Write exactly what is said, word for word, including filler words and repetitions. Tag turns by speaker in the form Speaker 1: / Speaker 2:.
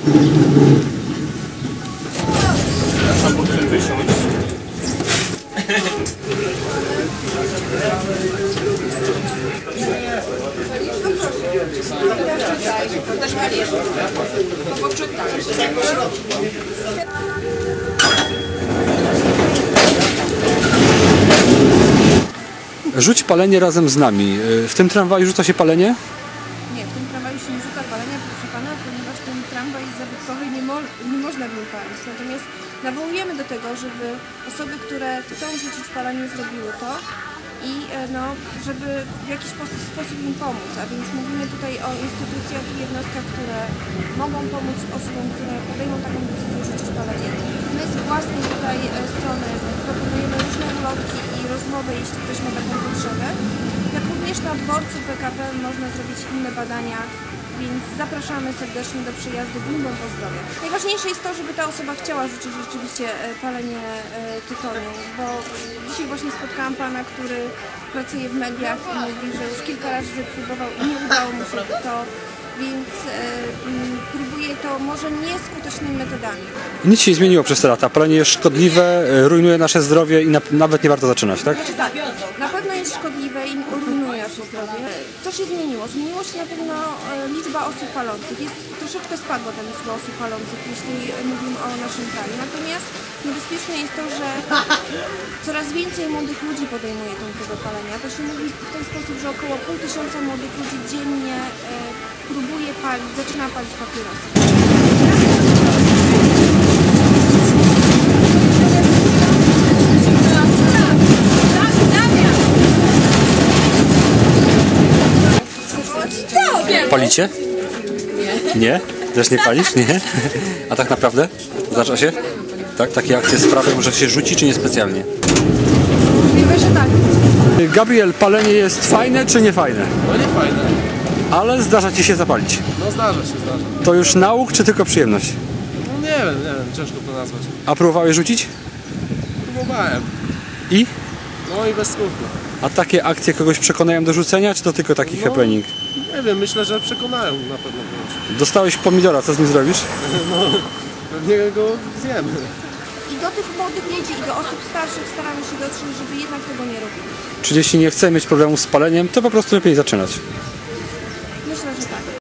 Speaker 1: Albo chcę wysiąść.
Speaker 2: Rzuć palenie razem z nami. W tym tramwaju rzuca się palenie?
Speaker 3: Nie, w tym tramwaju się nie rzuca palenia, proszę pana, ponieważ ten tramwaj jest zabytkowy i nie, mo nie można w nim palić. Natomiast nawołujemy do tego, żeby osoby, które chcą rzucić palenie, zrobiły to i no, żeby w jakiś sposób im pomóc. A więc mówimy tutaj o instytucjach i jednostkach, które mogą pomóc osobom, które podejmą taką decyzję rzucić palenie. My z własnej tutaj strony proponujemy różne ulotki i rozmowy, jeśli ktoś ma taką potrzebę. Jak również na dworcu P K P można zrobić inne badania, więc zapraszamy serdecznie do przyjazdu Gminną Pozdrowia. Najważniejsze jest to, żeby ta osoba chciała rzucić rzeczywiście palenie tytoniu, bo dzisiaj właśnie spotkałam pana, który pracuje w mediach i mówi, że już kilka razy próbował i nie udało mu się to, więc e, próbuje to może nieskutecznymi metodami.
Speaker 2: Nic się nie zmieniło przez te lata. Palenie jest szkodliwe, rujnuje nasze zdrowie i na, nawet nie warto zaczynać, tak?
Speaker 3: Znaczy, tak, na pewno jest szkodliwe i rujnuje nasze zdrowie. Co się zmieniło? Zmieniło się na pewno liczba osób palących. Jest, troszeczkę spadła ta liczba osób palących, jeśli mówimy o naszym kraju. Natomiast niebezpieczne jest to, że coraz więcej młodych ludzi podejmuje tą próbę palenia. To się mówi w ten sposób, że około pół tysiąca młodych ludzi dziennie e, próbuje palić, zaczyna palić papierosy.
Speaker 2: Palicie? Nie. Nie? Też nie palisz? Nie? A tak naprawdę? Zdarza się? Tak? Takie akcje sprawią, że się rzuci, czy niespecjalnie?
Speaker 3: Możliwe, że tak.
Speaker 2: Gabriel, palenie jest fajne, czy nie fajne?
Speaker 1: No nie fajne.
Speaker 2: Ale zdarza ci się zapalić.
Speaker 1: No zdarza się, zdarza.
Speaker 2: To już nauk, czy tylko przyjemność?
Speaker 1: No nie wiem, nie wiem, ciężko to nazwać.
Speaker 2: A próbowałeś rzucić?
Speaker 1: Próbowałem.
Speaker 2: I?
Speaker 1: No i bez skutku.
Speaker 2: A takie akcje kogoś przekonają do rzucenia, czy to tylko taki
Speaker 1: No.
Speaker 2: happening?
Speaker 1: Nie wiem, myślę, że przekonają na pewno kogoś.
Speaker 2: Dostałeś pomidora, co z nim zrobisz?
Speaker 1: No, pewnie go zjemy.
Speaker 3: I do tych młodych ludzi, i do osób starszych staramy się dotrzeć, żeby jednak tego nie robili.
Speaker 2: Czyli jeśli nie chcemy mieć problemu z paleniem, to po prostu lepiej zaczynać.